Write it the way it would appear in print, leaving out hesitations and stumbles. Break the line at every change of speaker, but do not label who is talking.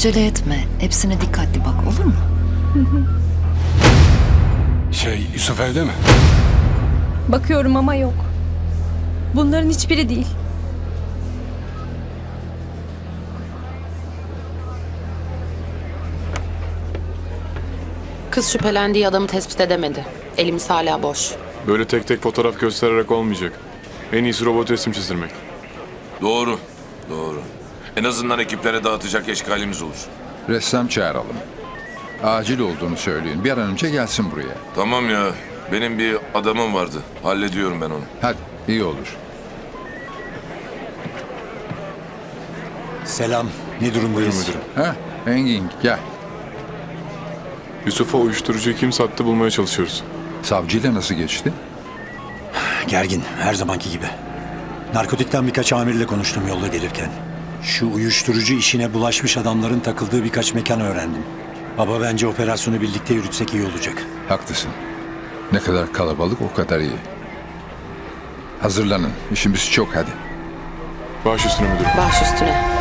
Acele etme. Hepsine dikkatli bak, olur mu?
Yusuf evde mi?
Bakıyorum ama yok. Bunların hiçbiri değil.
Kız şüphelendiği adamı tespit edemedi. Elimiz hala boş.
Böyle tek tek fotoğraf göstererek olmayacak. En iyisi robot resim çizdirmek.
Doğru, doğru. En azından ekiplere dağıtacak eşkalimiz olur.
Ressam çağıralım. Acil olduğunu söyleyin. Bir an önce gelsin buraya.
Tamam ya, benim bir adamım vardı. Hallediyorum ben onu.
Hadi, iyi olur.
Selam. Ne durumdayız?
Müdürüm.
Ha, Engin gel.
Yusuf'a uyuşturucuyu kim sattı bulmaya çalışıyoruz.
Savcıyla nasıl geçti?
Gergin. Her zamanki gibi. Narkotikten birkaç amirle konuştum yolda gelirken. Şu uyuşturucu işine bulaşmış adamların takıldığı birkaç mekan öğrendim. Baba bence operasyonu birlikte yürütsek iyi olacak.
Haklısın. Ne kadar kalabalık o kadar iyi. Hazırlanın. İşimiz çok hadi.
Baş üstüne müdürüm.
Baş üstüne.